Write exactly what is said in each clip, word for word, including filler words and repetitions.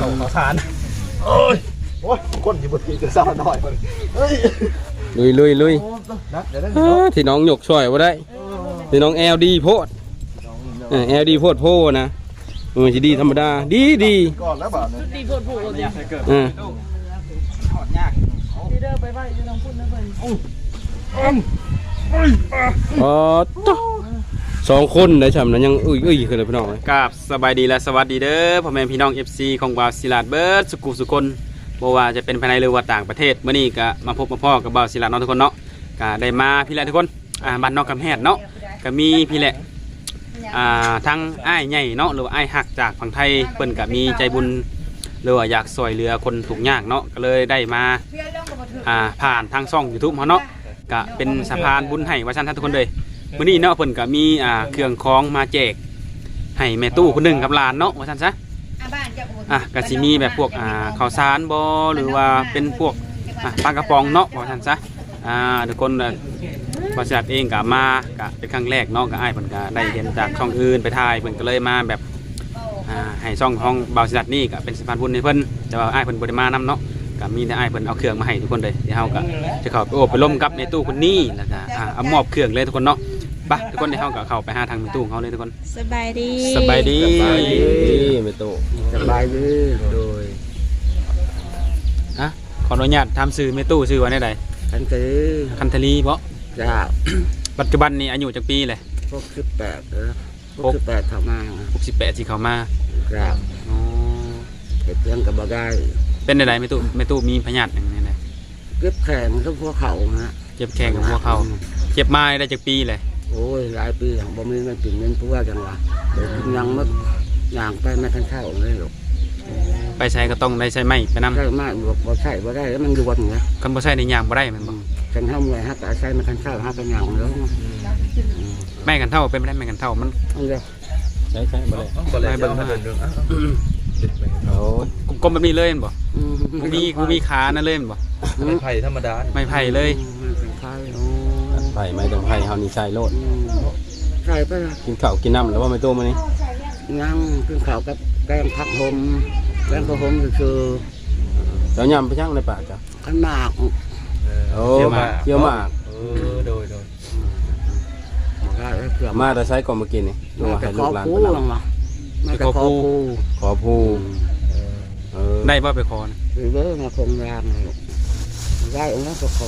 เขาขอสารโอ้ยโอ้ยคนอยู่บนที่จะเศร้าหน่อยมันเฮ้ยลุยลุยลุยนะเดี๋ยวได้ที่น้องหยกช่วยว่าได้ที่น้องแอลดีโพดแอลดีโพดโพนะมันจะดีธรรมดาดีดีก่อนแล้วบ่เนี่ยดีโพดโพดเนี่ยเกิดอ่าถอดยากดีเด้อไปไปอยู่ทางพุ่นนะเพิ่นอ๋อสองคนได้ฉ่ำนั้นยังอุ้ยอุ้ยคือเลยพี่น้องกราบสบายดีและสวัสดีเด้อพ่อแม่พี่น้อง เอฟ ซี ของบ่าวศิลาดเบิร์ดสุกุสุคนบ่ว่าจะเป็นภายในหรือว่าต่างประเทศเมื่อนี้ก็มาพบมาพ่อกับบ่าวศิลาดน้องทุกคนเนาะก็ได้มาพี่แหละทุกคนอ่าบ้านนอกกำแพงเนาะก็มีพี่แหละอ่าทั้งอ้ายใหญ่เนาะหรือว่าอ้ายหักจากฝั่งไทยเพิ่นก็มีใจบุญหรือว่าอยากช่วยเหลือคนทุกข์ยากเนาะก็เลยได้มาอ่าผ่านทางช่อง YouTube เฮาเนาะก็เป็นสะพานบุญให้ว่าซั่นทุกคนเลยมื้อนี้เนาะเพิ่นก็มีอ่าเครื่องของมาแจกให้แม่ตู้คนหนึ่งกับหลานเนาะว่าซั่นซะอ่ะก็สิมีแบบพวกอ่าข้าวสารบ่หรือว่าเป็นพวกอ่ะปลากระป๋องเนาะว่าซั่นซะอ่าทุกคนบริษัทเองก็มาก็เป็นครั้งแรกเนาะก็อ้ายเพิ่นก็ได้เห็นจากช่องอื่นไปถ่ายเพิ่นก็เลยมาแบบอ่าให้ช่องของบริษัทนี่ก็เป็นสะพานบุญให้เพิ่นแต่ว่าอ้ายเพิ่นบ่ได้มานำเนาะก็มีแต่อ้ายเพิ่นเอาเครื่องมาให้ทุกคนเลยเดี๋ยวเฮาก็จะเข้าไปโอบไปล้มกับในตู้คนนี้แล้วก็อ่าเอามอบเครื่องเลยทุกคนเนาะไปทุกคนเดี๋ยวเฮาก็เข้าไปหาทางในตู้ของเขาเลยทุกคนสบายดีสบายดีในตู้สบายดีโดยอ่ะขออนุญาตทำซื้อในตู้ซื้อไว้ได้ใดคันทีคันทลีบ่จ้าปัจจุบันนี้อายุจักปีเลยหกสิบแปดเออหกสิบแปดเข้ามาหกสิบแปดสิเข้ามาครับอ๋อเก็บเรื่องกับบ่ได้เป็นใดๆไม่ตู้ไม่ตู้มีพยาธิอย่างนี้เลยเก็บแข็งกับพวกเขาฮะเจ็บแข้งกับพวกเขาเจ็บมาได้จากปีเลยโอ้ยหลายปีอย่างบ่มีเงินกินเงินพวกจังหวะเดี๋ยวกินยังมึกอย่างไปไม่ทันเข้าเลยหรอกไปใช้ก็ต้องได้ใช้ไม้ไปนำใช่ไม้บ่บ่ใช่บ่ได้แล้วมันอยู่บนเงี้ยคันบ่ใช้ในยางบ่ได้มันบ่จังเฮาเมื่อยฮะแต่ใช้ไม่ทันเข้าฮะเป็นอย่างแล้วแม่กันเท่าเป็นไม่ได้แม่กันเท่ามันใช่ใช่บ่ได้บ่ได้เบิ่งมาเดินโอ้กลมแบบนี้เลยบ่กูมีกูมีขานั่นเลยบ่ไม่ไผ่ธรรมดาไม่ไผ่เลยไผ่ไผ่ไม่ต้องไผ่เฮานี่ใส่โลดใส่ไปกินข้าวกินน้ำแล้วว่าไม่โตมื้อนี้ยังกินข้าวกับแกงผักหอมแกงผักหอมคือเจ้ายำไปช่างในป่าจ้ะขันหมากโอ้เกี่ยวหมากเกี่ยวหมากเออโดยโดยมาแต่ใช้ก่อนเมื่อกี้นี่ดูให้ลูกหลานไปนำไปขอผู้ขอผู้ได้บ่ไปขอนะหรือว่ามาคงรางได้องค์นั้นก็ขอ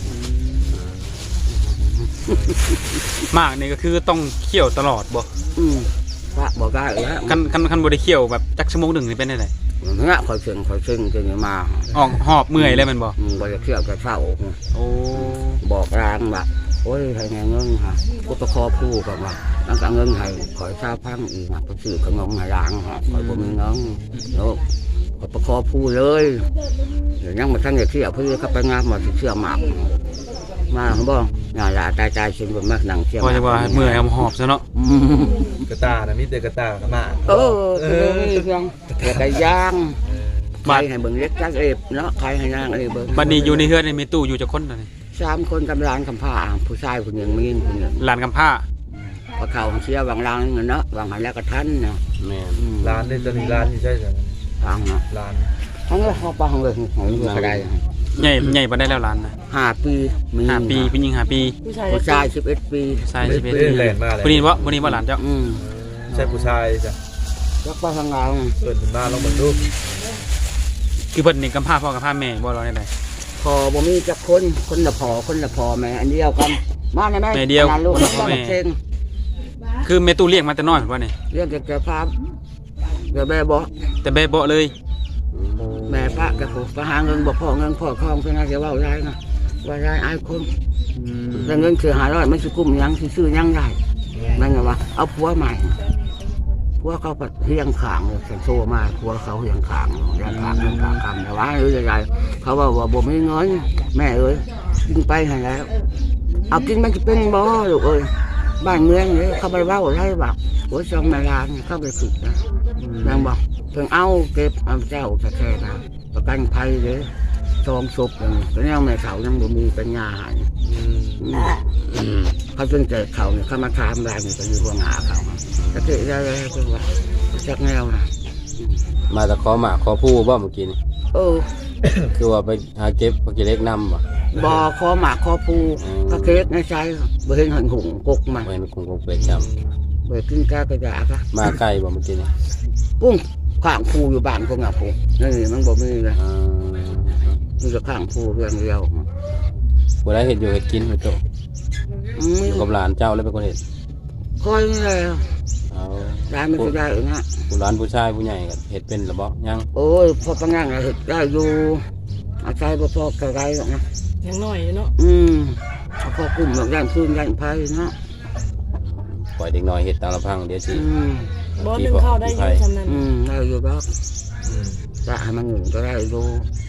มากนี่ก็คือต้องเคี่ยวตลอดบ่อืมว่าบอกได้แล้วคันคันคันบ่ได้เคี่ยวแบบจักชั่วโมงหนึ่งนี่เป็นได้ไดเงี้ยคอยเชิงคอยเชิงจนมาออกหอบเมื่อยเลยมันบ่บ่ได้เคี่ยวกับเช้าโอ้บอกรางแบบโอ้ยให้เงินฮะกูตะคอผู้กับว่าตั้งแต่เงินให้คอยชาพังอีกนะไปซื้อขนมให้ร้านฮะคอยบ่มีเงินแล้วก็ตะคอผู้เลยเดี๋ยวยังมาทั้งอย่างที่เอาเพื่อเข้าไปงานมาเชื่อหมากมาเขาบอกงานละตายตายชิมบนมากหนังเชื่อก็จะว่าเมื่อยหอบซะเนาะกระตานะมิเตกระตากระมาเออเออมีเครื่องกระย่างใครให้เบิ่งเล็กจักเอฟเนาะใครให้ย่างอะไรเบิ่งบัดนี้อยู่ในเฮือนมีตู้อยู่จักคนเลยสามคนกำลังกำผ้าผู้ชายคนหนึ่งมีคนหนึ่งหลานกำผ้าพอเขาเชี่ยววางรางเงินเนาะวางหันแล้วก็ทันเนาะแม่ร้านนี่จะมีร้านที่ใช่ไหมร้านเนาะร้านทั้งเขาปังเลยของเงินก็ได้ใหญ่ใหญ่ปานได้แล้วร้านนะห้าปีมีห้าปีผู้หญิงห้าปีผู้ชายสิบเอ็ดปีชายสิบเอ็ดปีผู้นี้วะผู้นี้ว่าหลานเจ้าใช่ผู้ชายจ้ะรักป้าทางเราเปิดมาลองมาดูคือเพิ่นนี่กำผ้าพ่อกำผ้าแม่บ่รอได้ไดพอบ่มีจักคนคนละพอคนละพอแม่อันเดียวกันมาได้ไหมแม่เดียวลูกแม่คือแม่ตู้เลี้ยงมาแต่น้อยว่านี่เลี้ยงแต่แก่ฟ้าแก่แม่บ่แต่แม่บ่เลยแม่ป้ากับผมไปหาเงินบ่พ่อเงินพ่อคลองเพื่อนจะว่าได้นะว่าได้ไอ้คนแต่เงินคือหาร้อยไม่ซื้อกุ้มยังซื้อยังได้นั่นไงวะเอาผัวใหม่ผัวเขาเฮียงขางเลยโซ่มาผัวเขาเฮียงขางเฮียงขางเฮียงขางคำแต่ว่าหรืออะไรเขาว่าว่าบ่มีเงินแม่เอ้ยกินไปให้แล้วเอากินมันจะเป็นบ่ลูกเอ้ยบ้านเมืองเนี่ยเขาไปว่าอะไรแบบหัวซองนาลานเข้าไปฝึกนะนางบอกเพิ่งเอาเก็บเอาเจ้าแท้ๆนะประกันภัยเลยซองศพอย่างนี้แต่เนี่ยแม่เขายังบ่มีปัญญาหายเขาจนเจอเขาเนี่ยเขามาทำอะไรเนี่ยไปอยู่หัวหน้าเขาก็เจอได้เลยคือว่าจากแนวนะมาแต่ขอหมากขอผู้บ่เมื่อกี้นี่เออคือว่าไปหาเก็บผักกิเล็กนำบ่บ่คอหมากคอปูอืมก็เค้กในใจบ่เห็นหันหุงกกมันบ่เห็นคงคงเป็ดจำบ่กินกากระยากะมาใกล้บ่เมื่อกี้นี่ปุ้งข้างปูอยู่บ้านก็งับปูนี่มันบ่มีเลยอ่ามีแต่ข้างปูเพียงเดียวบ่ได้เฮ็ดอยู่เฮ็ดกินพี่โตอืมอยู่กับหลานเจ้าแล้วเป็นคนเฮ็ดคอยนี่แหละเอาได้ไม่ได้เองฮะผู้หลานผู้ชายผู้ใหญ่ก็เฮ็ดเป็นหรือบ่ยังโอ้ยพอปังงั่งอะเฮ็ดได้อยู่อาศัยบ่พอไกลๆหรอกนะยังน้อยอยู่เนาะอืมเอาพอกลุ่มหลักย่านคืนย่านไผเนาะปล่อยเด็กน้อยเฮ็ดตามลำพังเดี๋ยวสิอืมบ่นึงเข้าได้อยู่ซำนั้นอืมได้อยู่ดอกอืมจะให้มันหนึ่งก็ได้อยู่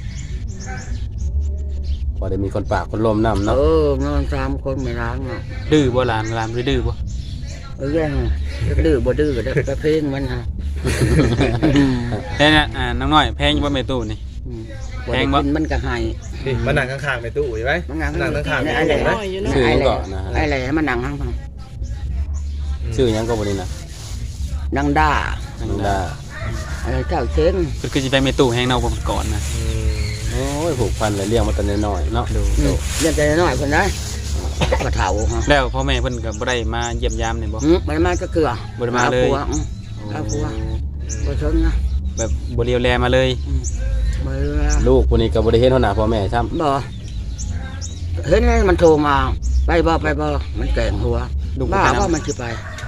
พอได้มีคนปากคนลมน้ำเอเนาะอนอนสามคนไม่ล้างเนาะดื้อบ่หลานหลานบ่ดื้อบ่เออแย่งดื้อบ่ดื้อก็ได้ก็เพลงมันฮะแค่นี้อ่าน้องน้อยแพงอยู่บ่แม่ตู้นี่อืมแพงบ่บ่ได้กินมันก็ให้นี่มานั่งข้างๆไปตู้อยู่ไหมมันนั่งนั่งข้างๆไอ้ไปแหล่ตู้ไหมน้อยอยู่เนาะชื่อหยังก่อนนะไอ้แหล่ให้มันนั่งข้างทางชื่อหยังก็บ่นี่นะนั่งด่านังดาอะไรเจ้าเช็งคือคือสิไปเมตู้แห้งเนาผมก่อนนะอืมโอ้ยผูกพันเลยเลี้ยงมาแต่น้อยๆเนาะดูอืมเรียกใจน้อยคนได้กระเถาฮะแล้วพ่อแม่เพิ่นก็บ่ได้มาเยี่ยมยามนี่บ่อืมมันมาจะเกลือบ่ได้มาเลยอผัวอืมเอาผัวบ่ชนนะแบบบ่เลียวแลมาเลยอืมบ่เรือลูกคนนี้ก็บ่ได้เห็นเท่าหน้าพ่อแม่ซ้ำบ่เห็นไหมมันโทรมาไปบ่ไปบ่มันแกล้งหัวลูกบ่บ้าไปนำว่ามันสิไป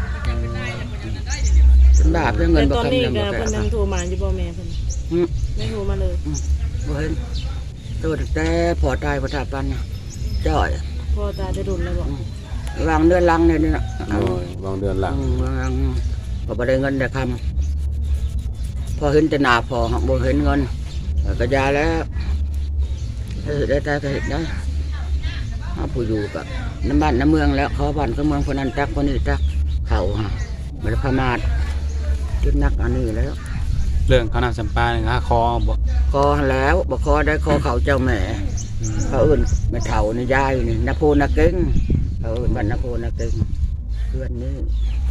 เป็นบ้าเพื่อเงินบ่ตอนคำนี้นึงก็บ่แก่เพิ่นยังโทรมาอยู่บ่แม่เพิ่นอืมไม่โทรมาเลยบ่เห็นตัวแต่พอตายพอทาปันน่ะจ้อยพ่อตาได้ดุนแล้วบ่วางเดือนลังเนี่ยนี่น่ะโอ้ยวางเดือนหลังอืมวางพอบ่ได้เงินได้คำพอเห็นแต่หน้าพอบ่เห็นเงินก็ยาแล้วเฮ็ดได้แต่ก็เฮ็ดได้เฮาผู้อยู่กับน้ำบ้านน้ำเมืองแล้วเขาบ้านเขาเมืองคนนั้นตักคนนี้ตักเขาฮะบ่ได้พมาทคิดนักอันนี้แล้วเรื่องเขาวนำสัมปานี่ฮะคอบ่คอแล้วบ่คอได้คอเขาเจ้าแม่เขาเอื่นแม่เฒ่านี่ยายนี่นาโพนาเก่งเขาเอื่นบ้านนาโพนาเก่งเพื่อนนี่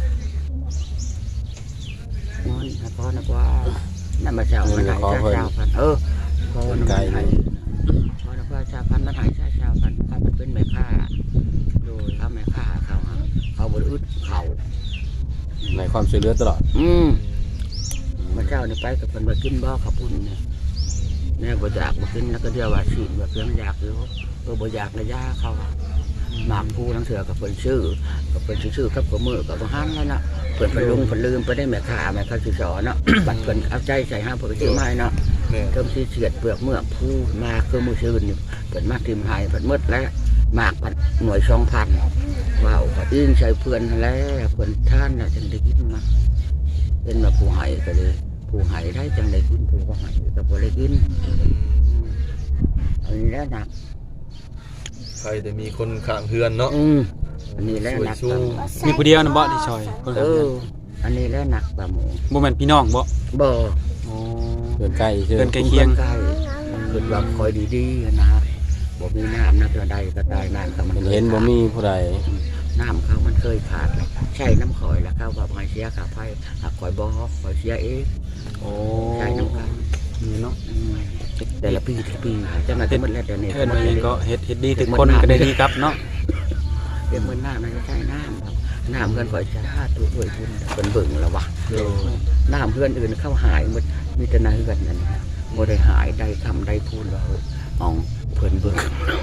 นอนหาพ่อนักว่านั่นมาเช้ามันหายชาเช้าพันเออพ่อนักว่าหายพ่อนักว่าชาพันมันหายชาเช้าพันเขาเป็นแม่ค้าโดยเขาแม่ค้าเขาฮะเขาบริอึดเขาในความช่วยเหลือตลอดอืมมาเช้านี่ไปกับเพิ่นมากินบ่อขับปุ่นเนี่ยแม่บ่อยากบ่กินแล้วก็เดียวว่าสิแบบเพียงอยากอยู่เออบ่อยากในยาเขาหมากผู้ทั้งเถื่อกับเพิ่นชื่อกับเพิ่นชื่อกับกับมือกับบ่ฮั่นแล้วน่ะเพิ่นเพิ่นลุงเพิ่นลืมไปได้แม่ค้าแม่ค้าสิสอนเนาะ บัดเพิ่นเอาใจใส่ห้าเพิ่นสิมาให้เนาะเนี่ยเริ่มสิเสียดเปลือกเมือกผู้มาคือมื้อชื่นนี่เพิ่นมาทิมให้เพิ่นหมดแล้วหมากพันหน่วยสองพันว้าวก็อิงใส่เพื่อนแล้วเพิ่นท่านน่ะจังได้กินมาเป็นมาผู้ให้ก็เลยผู้ให้ได้จังได้กินผู้บ่ให้ก็บ่ได้กินอันนี้แหละหนักใครจะมีคนข้างเฮือนเนาะอืมอันนี้แหละหนักช่วยมีผู้เดียวนะบ่ที่ซอยคนเอขับออันนี้แหละหนักปลาหมูบ่แม่นพี่น้องบ่บ่โอ้เดินใกล้ชื่อเดินใกล้เคียงใกล้เพิ่นว่าคอยดีๆนะบ่มีน้ำนะเทื่อใดก็ตายน้ำก็มันเห็นเห็นบ่มีผู้ใดน้ำเขามันเคยขาดแล้วใช่น้ำข่อยแล้วเขาว่าให้เสียค่าไฟหากข่อยบ่ข่อยเสียเองโอ้ใช่น้ำกันนี่เนาะอืมแต่ละปีแต่ละปีจังได๋หมดแล้วเดี๋ยวนี้เอิ้นว่าหยังก็เฮ็ดเฮ็ดดีทุกคนก็ได้ดีครับเนาะเดี๋ยวมันน้ำมันใช่น้ำครับน้ำเพื่อนข่อยจ้าตัวด้วยคุณเพิ่นเบิ่งแล้ววะน้ำเพื่อนอื่นเข้าหายหมดมีแต่นาเฮือนนั่นบ่ได้หายได้ทำได้พูนว่าเอออ๋องเพิ่นเบิ่ง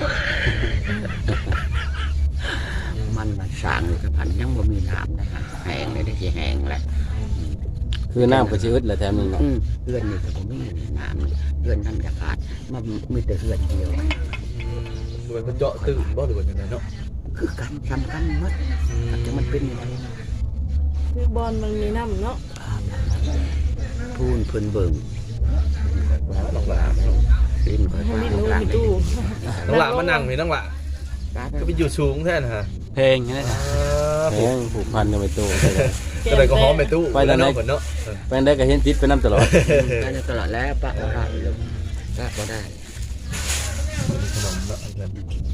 มันมันสร้างอยู่กับพันยังบ่มีน้ำนะฮะแห้งเลยได้สิแห้งแหละคือน้ำก็สิอึดแหละแถมนึงเนาะอืมเฮือนนี่ก็บ่มีน้ำเฮือนนั่นจะขาดมันมีแต่เฮือนเดียวเหมือนมันเจาะตื่นบ่หรือว่าจังไดเนาะคือกันสำคัญหมดแต่มันเป็นยังไงนะคือบอลมันมีน้ำเนาะพูนเพิ่นเบิ่งน้องหลาดินก็ให้ตามมีรู้กลางมีได้ตู้น้องหลามานั่งนี่น้องหลาก็ไปอยู่สูงแท้นะฮะเพลงนี่นะแพงผูกพันกันไปตู้ก็เลยก็หอมไปตู้ไปแล้วเนาะเพิ่นเนาะไปได้ก็เห็นติดไปน้ำตลอดได้ตลอดแล้วปะก็ได้ปะก็ได้ขนมเนาะเงิน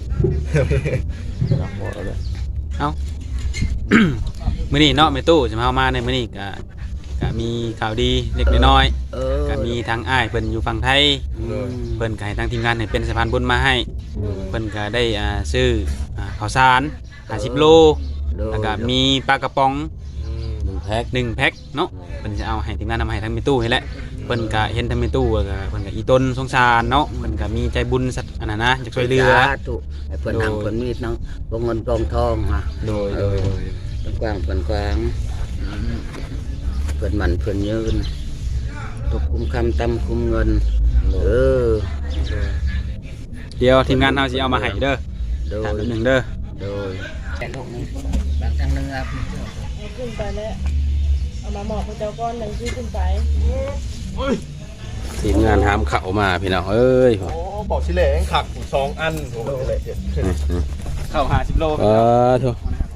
รักบ่เลยมื้อนี้เนาะแม่ตู้จะมาเอามาในมื้อนี้ก็ก็ก็มีข่าวดีเล็กน้อยเออๆก็มีทางอ้ายเพิ่นอยู่ฝั่งไทยอืมเพิ่นก็ให้ทางทีมงานให้เป็นสะพานบุญมาให้เพิ่นก็ได้อ่าซื้ออ่าข้าวสารห้าสิบโลแล้วก็มีปลากระป๋องหนึ่งแพ็คหนึ่งแพ็คเนาะเพิ่นจะเอาให้ทีมงานนำให้ทางมีตู้ให้แหละเพิ่นก็เห็นทางมีตู้ก็เพิ่นก็อีต้นสงสารเนาะเพิ่นก็มีใจบุญสัตว์อันนั้นนะอยากช่วยเหลือสาธุให้เพิ่นหังเพิ่นมีดเนาะลงเงินกองทองฮะโดยโดยโดยเพิ่นกว้างเพิ่นกว้างเพิ่นมันเพิ่นยืนตกคุมคำตำคุมเงินเออเดี๋ยวทีมงานเฮาสิเอามาให้เด้อโดยถามแป๊บหนึงเด้อโดยแต่ลูกนี้บางครั้งนึงครับเอาขึ้นไปแล้วเอามาหมอบพระเจ้าก้อนหนึ่งที่ขึ้นไปทีมงานหามเข้ามาพี่น้องเอ้ยโอ้บอกชิเล่ขักสองอันโอ้โหชิเล่ข้าวห้าสิบโลเออโถ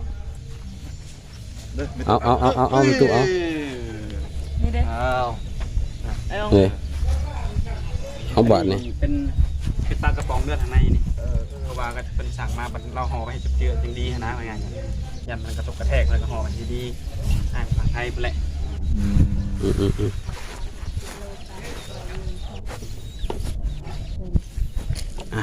เอาเอาเอาเอาเอามีตู้เอานี่เด้อ้าวไอ้เอาเลยเอาบาทนี่เป็นเป็นปลากระป๋องเลือดข้างในนี่เออเพราะว่าก็เป็นสั่งมาบัดเราห่อไว้ให้เจือๆจังดีนะว่าไงยันมันกระทบกระแทกแล้วก็ห่อกันดีๆให้ฝั่งไทยพุ่นแหละอืมอืมอืมอ่ะ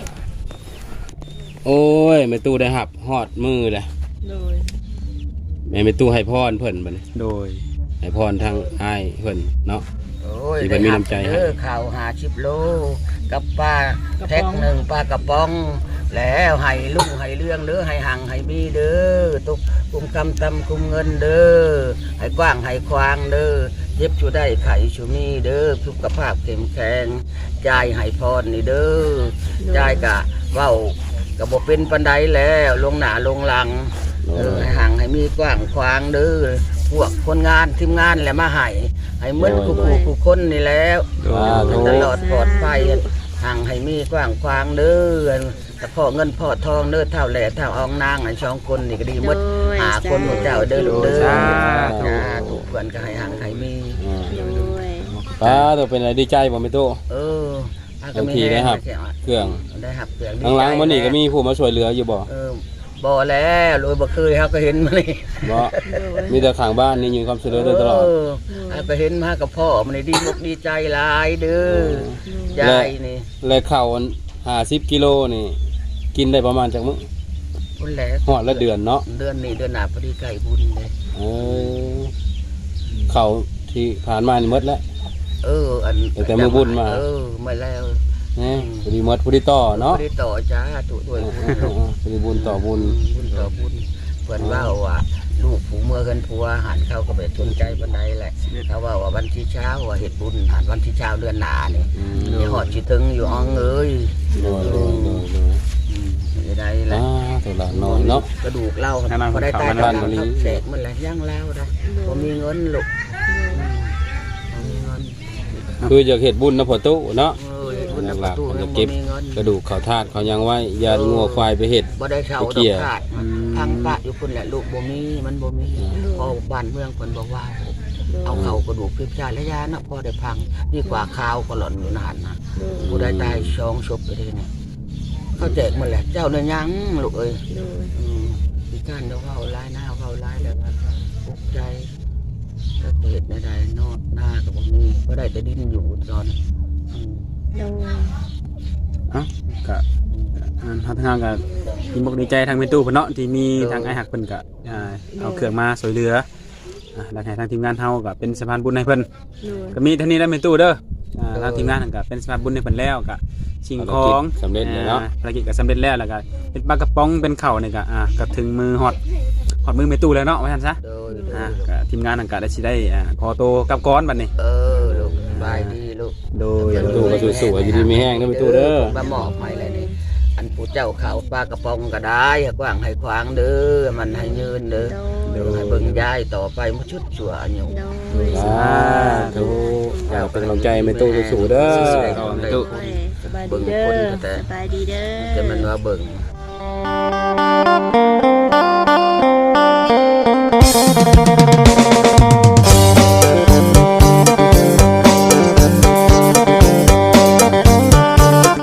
โอ้ยแม่ตู้ได้หับฮอดมือเลยโดยแม่แม่ตู้ให้พรเพิ่นบัดนี้โดยให้พรทางอ้ายเพิ่นเนาะโอ้ยที่เพิ่นมีน้ำใจให้เด้อข่าวหาชิบโลกับปลาแท็กหนึ่งปลากระป๋อง แล้วให้ลุงให้เรื่องเด้อให้หังให้มีเด้อตกคุมคำตำคุมเงินเด้อให้กว้างให้ควางเด้อเย็บชูได้ไข่ชูมีเด้อสุขภาพเข้มแข็งใจายให้พรนี่เด้อใจายกะเว้ากะบ่เป็นปันไดแล้วลงหน้าลงหลังเออให้หังให้มีกว้างควางเด้อพวกคนงานทีมงานแหละมาให้ให้เหมือนผู้ผู้ผู้คนนี่แล้วอ่าโถตลอดปลอดภัยห่างให้มีกว้างควางเด้อแต่พ่อเงินพ่อทองเด้อเท่าแหล่เท่าอองนางอันสองคนนี่ก็ดีหมดหาคนของเจ้าเด้อลูกเด้อจ้าทุกคนก็ให้ห่างให้มีอ่าป้าตัวเป็นอะไรดีใจบ่แม่ตู้เออบางทีได้ครับ เครื่องได้หับเครื่องข้างหลังมันนี่ก็มีผู้มาช่วยเหลืออยู่บ่เออบ่แล้วโดยบ่เคยเฮาก็เห็นมานี่บ่มีแต่ข้างบ้านนี่ยืนความช่วยเหลือโดยตลอดเออเฮาก็เห็นมากับพ่อมันนี่ดีมกดีใจหลายเด้อยายนี่และข้าวอันห้าสิบกิโลนี่ กินได้ประมาณจักมื้อคนแหละฮอดละเดือนเนาะเดือนนี้เดือนหน้าพอดีใกล้บุญเลยเออข้าวที่ผ่านมานี่หมดแล้วเอออันตั้งแต่มื้อบุญมาเออมาแล้วนี่พอดีหมดพอดีต่อเนาะพอดีต่อจ้าถูกด้วยบุญพอดีบุญต่อบุญบุญต่อบุญเพิ่นว่าว่าลูกผู้เมื่อกันผัวหันเข้าก็ไปสนใจบันไดแหละเขาว่าว่าวันที่เช้าว่าเฮ็ดบุญหันวันที่เช้าเดือนหน้านี่อืมมีหอดสิถึงอยู่อ้องเอ้ยโดยโดยโดยโดยอืมไม่ได้แหละอ่าตัวละน้อยเนาะกระดูกเล่าให้มันพอได้ตายเข้าบ้านมานี้แตกมันแหละย่างเล่าได้บ่มีเงินลูกบ่มีเงินคืออยากเฮ็ดบุญนะพ่อตู้เนาะเออบุญหปลัระกตูๆมันยัจะงบ่เก็บมีเงินกระดูกเขาธาตุเขายังไว้ยางัวควายไปเฮ็ดบ่ได้เช่าไปดเกี่อกยขาดทางปะอยู่พุ่นแหละลูกบ่มีมันบ่มีพอบ้านเมืองเพิ่นบอกว่า เอาเข้ากระดูกพิพชาและยานะพอได้พังดีกว่าข้าวก็หล่อนอยู่นานนะผู้ได้ตายสองศพไปเลยเนี่ยเขาแจกหมันแหละเจ้าเนี่ยยังลูกเอ้ยอืมพี่การเดี๋ยวเว้าร้ายหน้าเว้าร้ายแล้วว่าปลุกใจก็เหตุในใดนอกหน้าก็บ่มีก็ได้แต่ดิ้นอยู่ตอนอืมอ่ะก็อ่าทางทางก็มีบอกดีใจทางเมตู้เพิ่นเนาะที่มีทางไอ้หักเพิ่นก็อ่าเอาเครื่องมาช่วยเหลืออ่าแล้วให้ทางทีมงานเฮาก็เป็นสะพานบุญให้เพิ่นก็มีเท่านี้แล้วเมตู้เด้ออ่าทางทีมงานนั่นก็เป็นสะพานบุญให้เพิ่นแล้วก็สิ่งของสำเร็จแล้วเนาะอ่ภารกิจก็สำเร็จแล้วแล้วก็เป็นปลากระป๋องเป็นข้าวนี่ก็อ่าก็ถึงมือฮอดฮอดมือเมตู้แล้วเนาะว่าซั่นซะโดยโดอ่าย ก็ทีมงานนั่นก็ได้สิได้อ่าขอโตวกลับก้อนบัดนี้เออลูกสบายดีลูกโดยประตูก็สวยๆอยู่ดีมีแห้งเด้อประตูเด้อมาหมอบให้เลยนี่อันผู้เจ้าเขาปลากระป๋องก็ได้ให้กว้างให้ขวางเด้อมันให้ยืนเด้อเดี๋ยวให้เบิ่งยายต่อไปมุชุดชั่วอันอยู่สาธุเอาเป็นกำลังใจแม่ตู้สู้ๆเด้อสบายดีเบิ่งเด้คนอก็แต่สบายดีเด้อแต่มันว่าเบิ่งโ